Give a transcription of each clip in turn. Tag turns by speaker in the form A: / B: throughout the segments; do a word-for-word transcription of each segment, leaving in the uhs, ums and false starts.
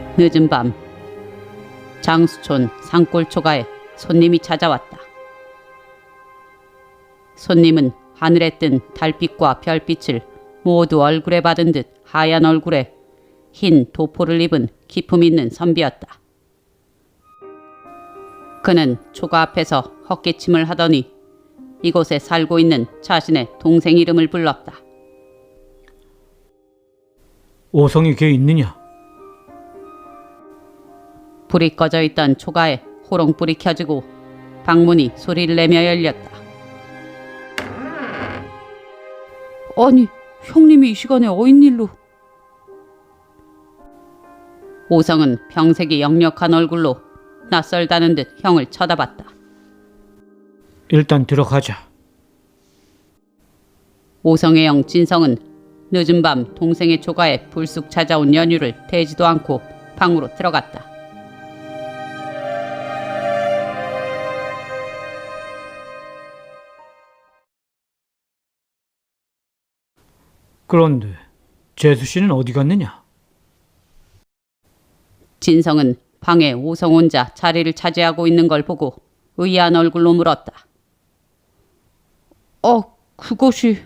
A: 늦은 밤 장수촌 산골초가에 손님이 찾아왔다. 손님은 하늘에 뜬 달빛과 별빛을 모두 얼굴에 받은 듯 하얀 얼굴에 흰 도포를 입은 기품 있는 선비였다. 그는 초가 앞에서 헛기침을 하더니 이곳에 살고 있는 자신의 동생 이름을 불렀다.
B: 오성이 걔 있느냐?
A: 불이 꺼져 있던 초가에 호롱불이 켜지고 방문이 소리를 내며 열렸다. 아니, 형님이 이 시간에 어인일로? 오성은 병색이 역력한 얼굴로 낯설다는 듯 형을 쳐다봤다.
B: 일단 들어가자.
A: 오성의 형 진성은 늦은 밤 동생의 초가에 불쑥 찾아온 연유를 대지도 않고 방으로 들어갔다.
B: 그런데 재수 씨는 어디 갔느냐?
A: 진성은 방에 오성 혼자 자리를 차지하고 있는 걸 보고 의아한 얼굴로 물었다. 어, 그것이...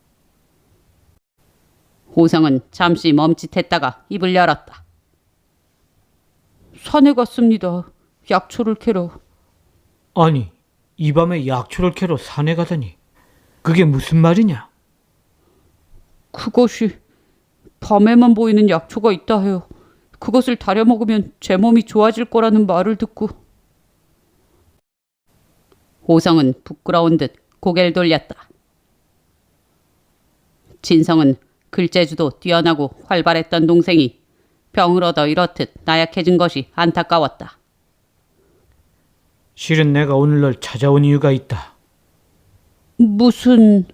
A: 오성은 잠시 멈칫했다가 입을 열었다. 산에 갔습니다. 약초를 캐러.
B: 아니, 이 밤에 약초를 캐러 산에 가다니. 그게 무슨 말이냐?
A: 그것이 밤에만 보이는 약초가 있다 해요. 그것을 다려 먹으면 제 몸이 좋아질 거라는 말을 듣고. 오성은 부끄러운 듯 고개를 돌렸다. 진성은 글재주도 뛰어나고 활발했던 동생이 병을 얻어 이렇듯 나약해진 것이 안타까웠다.
B: 실은 내가 오늘 널 찾아온 이유가 있다.
A: 무슨...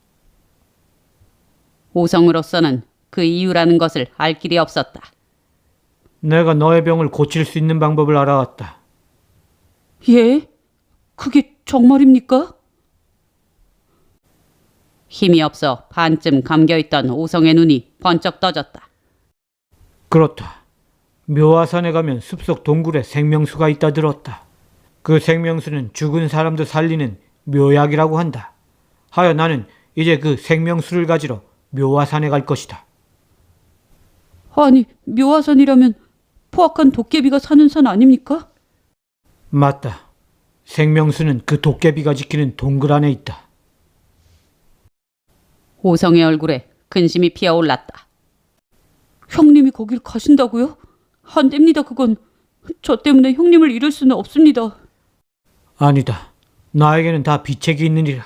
A: 오성으로서는 그 이유라는 것을 알 길이 없었다.
B: 내가 너의 병을 고칠 수 있는 방법을 알아왔다.
A: 예? 그게 정말입니까? 힘이 없어 반쯤 감겨있던 오성의 눈이 번쩍 떠졌다.
B: 그렇다. 묘화산에 가면 숲속 동굴에 생명수가 있다 들었다. 그 생명수는 죽은 사람도 살리는 묘약이라고 한다. 하여 나는 이제 그 생명수를 가지러 묘화산에 갈 것이다.
A: 아니, 묘화산이라면 포악한 도깨비가 사는 산 아닙니까?
B: 맞다. 생명수는 그 도깨비가 지키는 동굴 안에 있다.
A: 오성의 얼굴에 근심이 피어올랐다. 형님이 거길 가신다고요? 안 됩니다, 그건. 저 때문에 형님을 잃을 수는 없습니다.
B: 아니다. 나에게는 다 비책이 있느니라.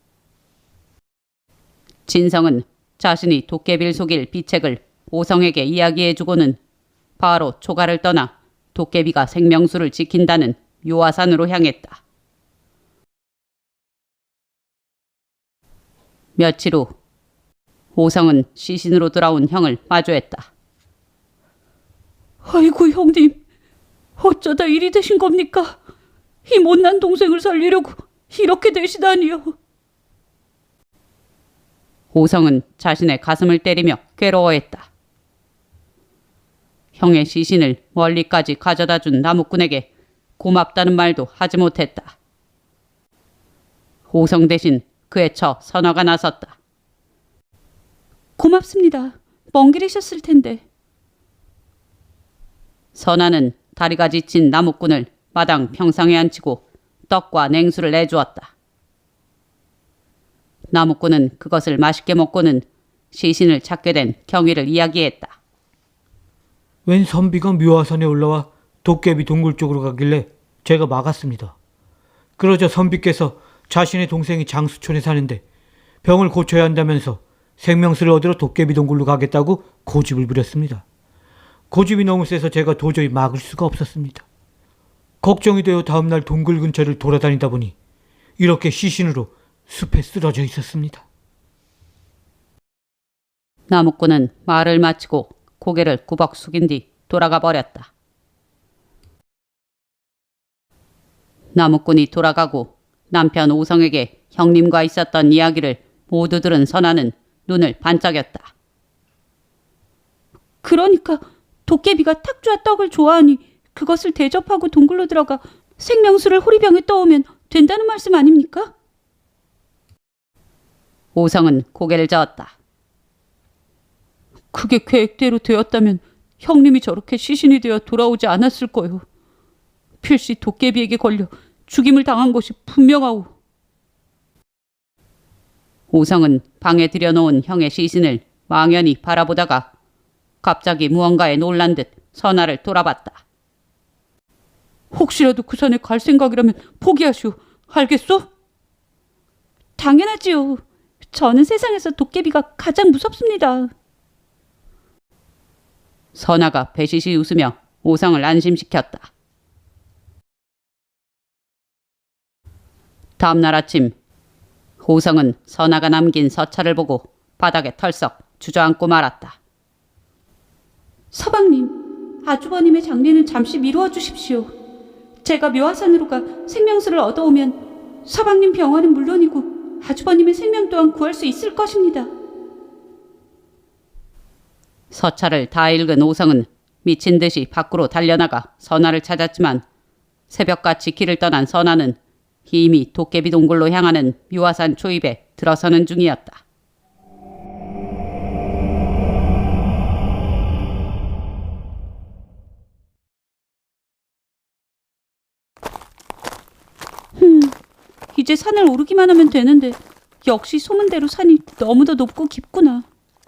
A: 진성은 자신이 도깨비를 속일 비책을 오성에게 이야기해주고는 바로 초가를 떠나 도깨비가 생명수를 지킨다는 묘화산으로 향했다. 며칠 후 오성은 시신으로 돌아온 형을 마주했다. 아이고 형님, 어쩌다 이리 되신 겁니까? 이 못난 동생을 살리려고 이렇게 되시다니요. 오성은 자신의 가슴을 때리며 괴로워했다. 형의 시신을 멀리까지 가져다준 나무꾼에게 고맙다는 말도 하지 못했다. 오성 대신 그의 처 선화가 나섰다. 고맙습니다. 먼 길이셨을 텐데. 선화는 다리가 지친 나무꾼을 마당 평상에 앉히고 떡과 냉수를 내주었다. 나무꾼은 그것을 맛있게 먹고는 시신을 찾게 된 경위를 이야기했다.
B: 웬 선비가 묘화산에 올라와 도깨비 동굴 쪽으로 가길래 제가 막았습니다. 그러자 선비께서 자신의 동생이 장수촌에 사는데 병을 고쳐야 한다면서 생명수를 얻으러 도깨비 동굴로 가겠다고 고집을 부렸습니다. 고집이 너무 세서 제가 도저히 막을 수가 없었습니다. 걱정이 되어 다음날 동굴 근처를 돌아다니다 보니 이렇게 시신으로 숲에 쓰러져 있었습니다.
A: 나무꾼은 말을 마치고 고개를 구벅 숙인 뒤 돌아가 버렸다. 나무꾼이 돌아가고 남편 오성에게 형님과 있었던 이야기를 모두 들은 선아는 눈을 반짝였다. 그러니까 도깨비가 탁주와 떡을 좋아하니 그것을 대접하고 동굴로 들어가 생명수를 호리병에 떠오면 된다는 말씀 아닙니까? 오성은 고개를 저었다. 그게 계획대로 되었다면 형님이 저렇게 시신이 되어 돌아오지 않았을 거요. 필시 도깨비에게 걸려 죽임을 당한 것이 분명하오. 오성은 방에 들여놓은 형의 시신을 망연히 바라보다가 갑자기 무언가에 놀란 듯 선아를 돌아봤다. 혹시라도 그 산에 갈 생각이라면 포기하시오. 알겠소? 당연하지요. 저는 세상에서 도깨비가 가장 무섭습니다. 선아가 배시시 웃으며 오성을 안심시켰다. 다음날 아침 오성은 선아가 남긴 서찰을 보고 바닥에 털썩 주저앉고 말았다. 서방님, 아주버님의 장례는 잠시 미루어 주십시오. 제가 묘화산으로 가 생명수를 얻어오면 서방님 병원은 물론이고 아주버님의 생명 또한 구할 수 있을 것입니다. 서찰을 다 읽은 오성은 미친 듯이 밖으로 달려나가 선아를 찾았지만 새벽같이 길을 떠난 선아는 이미 도깨비 동굴로 향하는 묘화산 초입에 들어서는 중이었다. 흠, 이제 산을 오르기만 하면 되는데 역시 소문대로 산이 너무도 높고 깊구나.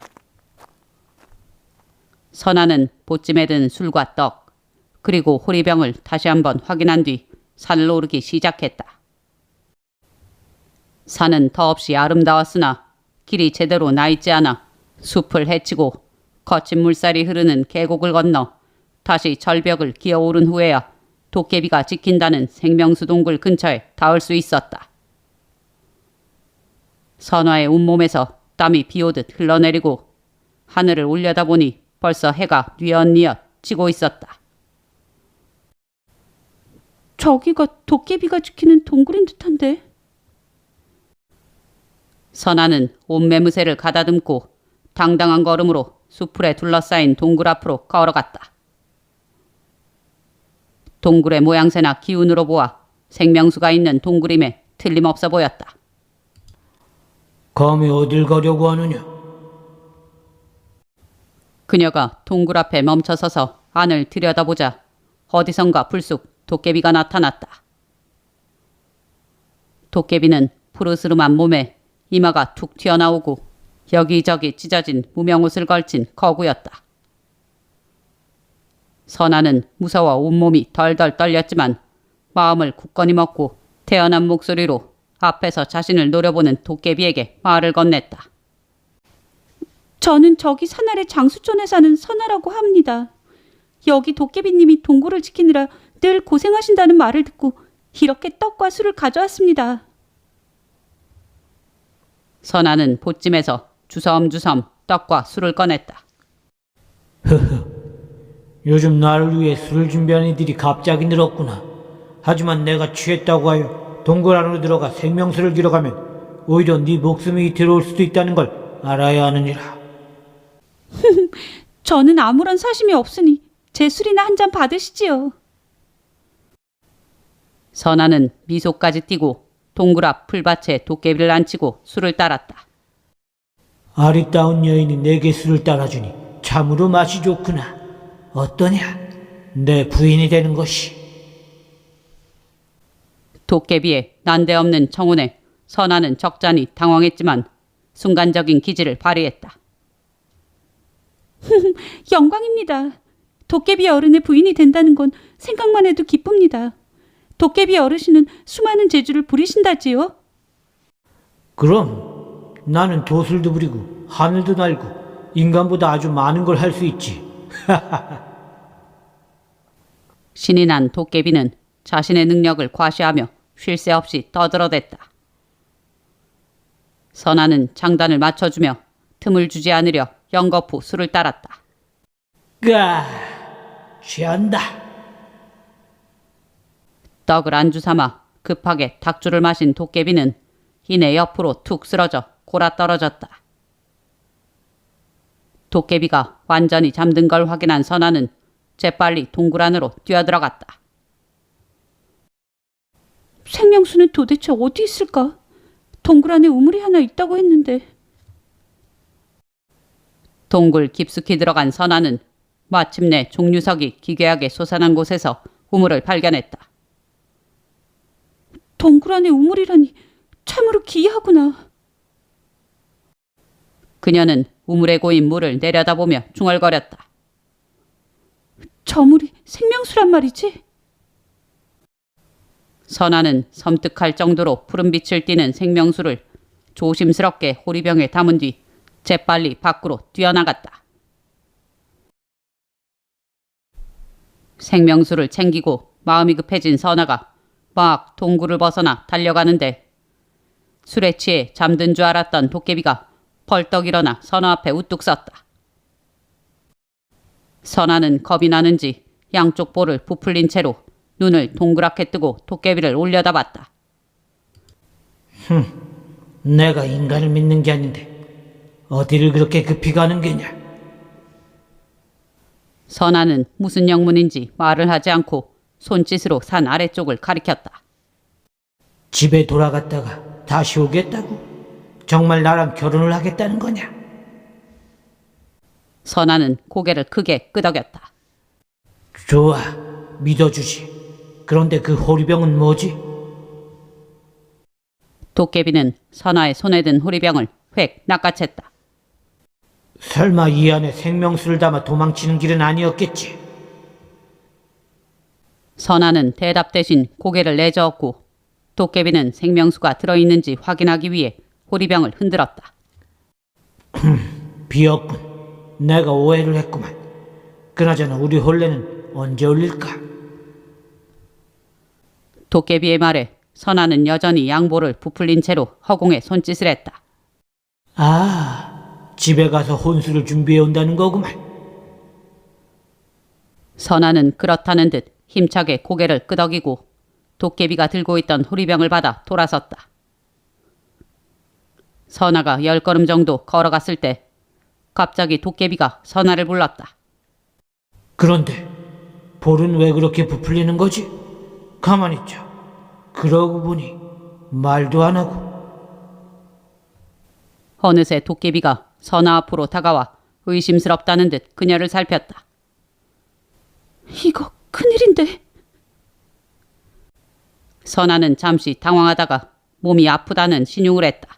A: 선아는 보찜에 든 술과 떡, 그리고 호리병을 다시 한번 확인한 뒤 산을 오르기 시작했다. 산은 더없이 아름다웠으나 길이 제대로 나있지 않아 숲을 헤치고 거친 물살이 흐르는 계곡을 건너 다시 절벽을 기어오른 후에야 도깨비가 지킨다는 생명수 동굴 근처에 닿을 수 있었다. 선화의 온몸에서 땀이 비오듯 흘러내리고 하늘을 올려다보니 벌써 해가 뉘엿뉘엿 지고 있었다. 저기가 도깨비가 지키는 동굴인 듯한데? 선아는 옷매무새를 가다듬고 당당한 걸음으로 수풀에 둘러싸인 동굴 앞으로 걸어갔다. 동굴의 모양새나 기운으로 보아 생명수가 있는 동굴임에 틀림없어 보였다.
B: 감히 어딜 가려고 하느냐?
A: 그녀가 동굴 앞에 멈춰서서 안을 들여다보자 어디선가 불쑥 도깨비가 나타났다. 도깨비는 푸르스름한 몸에 이마가 툭 튀어나오고 여기저기 찢어진 무명옷을 걸친 거구였다. 선아는 무서워 온몸이 덜덜 떨렸지만 마음을 굳건히 먹고 태연한 목소리로 앞에서 자신을 노려보는 도깨비에게 말을 건넸다. 저는 저기 산 아래 장수촌에 사는 선아라고 합니다. 여기 도깨비님이 동굴을 지키느라 늘 고생하신다는 말을 듣고 이렇게 떡과 술을 가져왔습니다. 선아는 보찜에서 주섬주섬 떡과 술을 꺼냈다.
B: 흐흐, 요즘 나를 위해 술을 준비하는 이들이 갑자기 늘었구나. 하지만 내가 취했다고 하여 동굴 안으로 들어가 생명수를 길어가면 오히려 네 목숨이 들어올 수도 있다는 걸 알아야 하느니라.
A: 저는 아무런 사심이 없으니 제 술이나 한 잔 받으시지요. 선아는 미소까지 띠고 동굴 앞 풀밭에 도깨비를 앉히고 술을 따랐다.
B: 아리따운 여인이 내게 술을 따라주니 참으로 맛이 좋구나. 어떠냐? 내 부인이 되는 것이.
A: 도깨비의 난데없는 청혼에 선아는 적잖이 당황했지만 순간적인 기지를 발휘했다. 영광입니다. 도깨비 어른의 부인이 된다는 건 생각만 해도 기쁩니다. 도깨비 어르신은 수많은 재주를 부리신다지요?
B: 그럼 나는 도술도 부리고 하늘도 날고 인간보다 아주 많은 걸 할 수 있지.
A: 신이 난 도깨비는 자신의 능력을 과시하며 쉴 새 없이 떠들어댔다. 선아는 장단을 맞춰주며 틈을 주지 않으려 연거푸 술을 따랐다.
B: 까, 취한다.
A: 떡을 안주 삼아 급하게 닭주를 마신 도깨비는 이내 옆으로 툭 쓰러져 골아 떨어졌다. 도깨비가 완전히 잠든 걸 확인한 선아는 재빨리 동굴 안으로 뛰어들어갔다. 생명수는 도대체 어디 있을까? 동굴 안에 우물이 하나 있다고 했는데. 동굴 깊숙이 들어간 선아는 마침내 종류석이 기괴하게 솟아난 곳에서 우물을 발견했다. 동굴 안에 우물이라니 참으로 기이하구나. 그녀는 우물에 고인 물을 내려다보며 중얼거렸다. 저 물이 생명수란 말이지? 선아는 섬뜩할 정도로 푸른 빛을 띠는 생명수를 조심스럽게 호리병에 담은 뒤 재빨리 밖으로 뛰어나갔다. 생명수를 챙기고 마음이 급해진 선아가 막 동굴을 벗어나 달려가는데 술에 취해 잠든 줄 알았던 도깨비가 벌떡 일어나 선아 앞에 우뚝 섰다. 선아는 겁이 나는지 양쪽 볼을 부풀린 채로 눈을 동그랗게 뜨고 도깨비를 올려다봤다.
B: 흠, 내가 인간을 믿는 게 아닌데 어디를 그렇게 급히 가는 게냐?
A: 선아는 무슨 영문인지 말을 하지 않고 손짓으로 산 아래쪽을 가리켰다.
B: 집에 돌아갔다가 다시 오겠다고? 정말 나랑 결혼을 하겠다는 거냐?
A: 선아는 고개를 크게 끄덕였다.
B: 좋아, 믿어주지. 그런데 그 호리병은 뭐지?
A: 도깨비는 선아의 손에 든 호리병을 획 낚아챘다.
B: 설마 이 안에 생명수를 담아 도망치는 길은 아니었겠지?
A: 선아는 대답 대신 고개를 내저었고 도깨비는 생명수가 들어있는지 확인하기 위해 호리병을 흔들었다.
B: 비었군. 내가 오해를 했구만. 그나저나 우리 혼례는 언제 올릴까?
A: 도깨비의 말에 선아는 여전히 양볼을 부풀린 채로 허공에 손짓을 했다.
B: 아, 집에 가서 혼수를 준비해 온다는 거구만.
A: 선아는 그렇다는 듯 힘차게 고개를 끄덕이고 도깨비가 들고 있던 호리병을 받아 돌아섰다. 선아가 열 걸음 정도 걸어갔을 때 갑자기 도깨비가 선아를 불렀다.
B: 그런데 볼은 왜 그렇게 부풀리는 거지? 가만히 있자. 그러고 보니 말도 안 하고.
A: 어느새 도깨비가 선아 앞으로 다가와 의심스럽다는 듯 그녀를 살폈다. 이거 큰일인데. 선아는 잠시 당황하다가 몸이 아프다는 신용을 했다.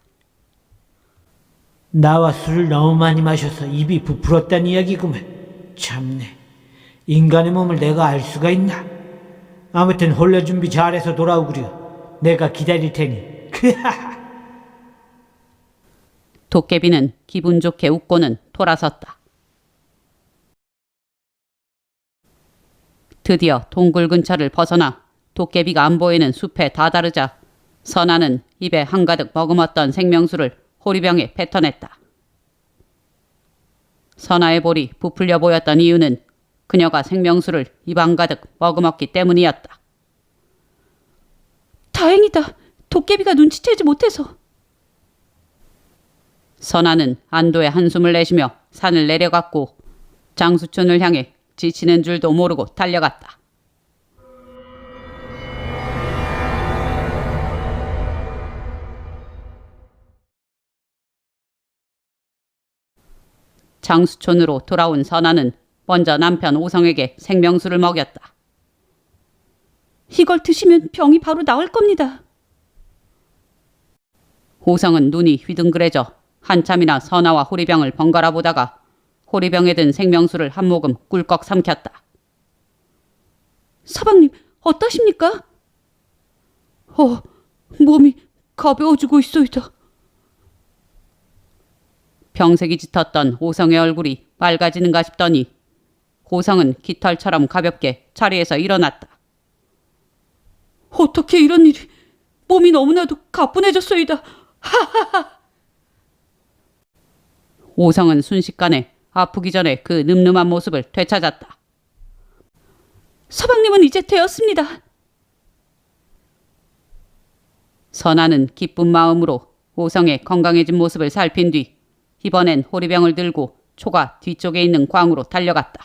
B: 나와 술을 너무 많이 마셔서 입이 부풀었다는 이야기구만. 참네. 인간의 몸을 내가 알 수가 있나? 아무튼 혼례 준비 잘해서 돌아오구려. 내가 기다릴 테니.
A: 도깨비는 기분 좋게 웃고는 돌아섰다. 드디어 동굴 근처를 벗어나 도깨비가 안 보이는 숲에 다다르자 선아는 입에 한가득 머금었던 생명수를 호리병에 뱉어냈다. 선아의 볼이 부풀려 보였던 이유는 그녀가 생명수를 입 한가득 머금었기 때문이었다. 다행이다. 도깨비가 눈치채지 못해서. 선아는 안도의 한숨을 내쉬며 산을 내려갔고 장수촌을 향해 지치는 줄도 모르고 달려갔다. 장수촌으로 돌아온 선아는 먼저 남편 오성에게 생명수를 먹였다. 이걸 드시면 병이 바로 나을 겁니다. 오성은 눈이 휘둥그레져 한참이나 선아와 호리병을 번갈아 보다가 호리병에 든 생명수를 한 모금 꿀꺽 삼켰다. 서방님, 어떠십니까? 어, 몸이 가벼워지고 있소이다. 병색이 짙었던 오성의 얼굴이 맑아지는가 싶더니 오성은 깃털처럼 가볍게 자리에서 일어났다. 어떻게 이런 일이... 몸이 너무나도 가뿐해졌소이다. 하하하. 오성은 순식간에 아프기 전에 그 늠름한 모습을 되찾았다. 서방님은 이제 되었습니다. 선아는 기쁜 마음으로 오성의 건강해진 모습을 살핀 뒤 이번엔 호리병을 들고 초가 뒤쪽에 있는 광으로 달려갔다.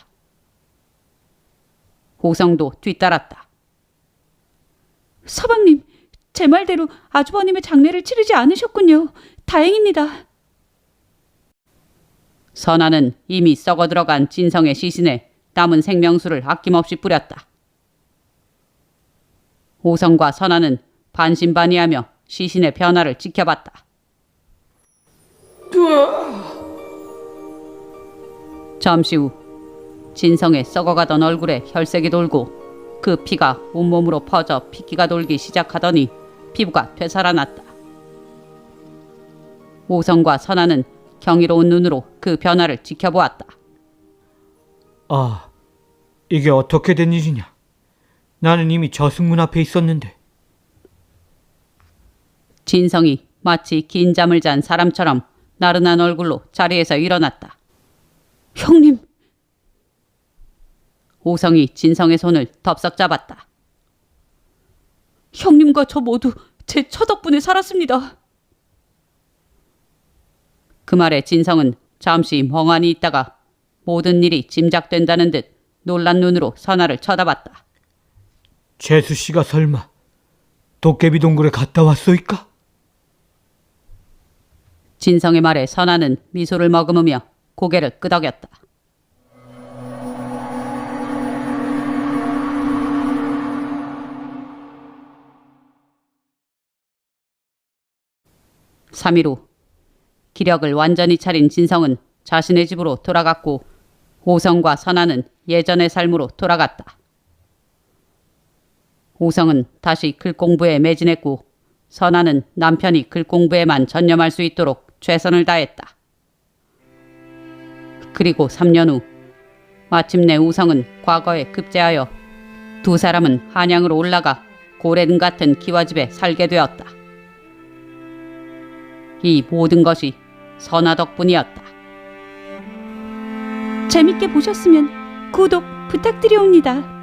A: 호성도 뒤따랐다. 서방님, 제 말대로 아주버님의 장례를 치르지 않으셨군요. 다행입니다. 선아는 이미 썩어 들어간 진성의 시신에 남은 생명수를 아낌없이 뿌렸다. 호성과 선아는 반신반의하며 시신의 변화를 지켜봤다. 잠시 후 진성의 썩어가던 얼굴에 혈색이 돌고 그 피가 온몸으로 퍼져 핏기가 돌기 시작하더니 피부가 되살아났다. 호성과 선아는 경이로운 눈으로 그 변화를 지켜보았다.
B: 아, 이게 어떻게 된 일이냐? 나는 이미 저승문 앞에 있었는데.
A: 진성이 마치 긴 잠을 잔 사람처럼 나른한 얼굴로 자리에서 일어났다. 형님! 호성이 진성의 손을 덥석 잡았다. 형님과 저 모두 제 처덕분에 살았습니다. 그 말에 진성은 잠시 멍하니 있다가 모든 일이 짐작된다는 듯 놀란 눈으로 선아를 쳐다봤다.
B: 재수 씨가 설마 도깨비 동굴에 갔다 왔소이까?
A: 진성의 말에 선아는 미소를 머금으며 고개를 끄덕였다. 삼 일 후 기력을 완전히 차린 진성은 자신의 집으로 돌아갔고 호성과 선아는 예전의 삶으로 돌아갔다. 호성은 다시 글 공부에 매진했고 선아는 남편이 글 공부에만 전념할 수 있도록 최선을 다했다. 그리고 삼 년 후 마침내 우성은 과거에 급제하여 두 사람은 한양으로 올라가 고래등 같은 기와집에 살게 되었다. 이 모든 것이 선아 덕분이었다. 재밌게 보셨으면 구독 부탁드리옵니다.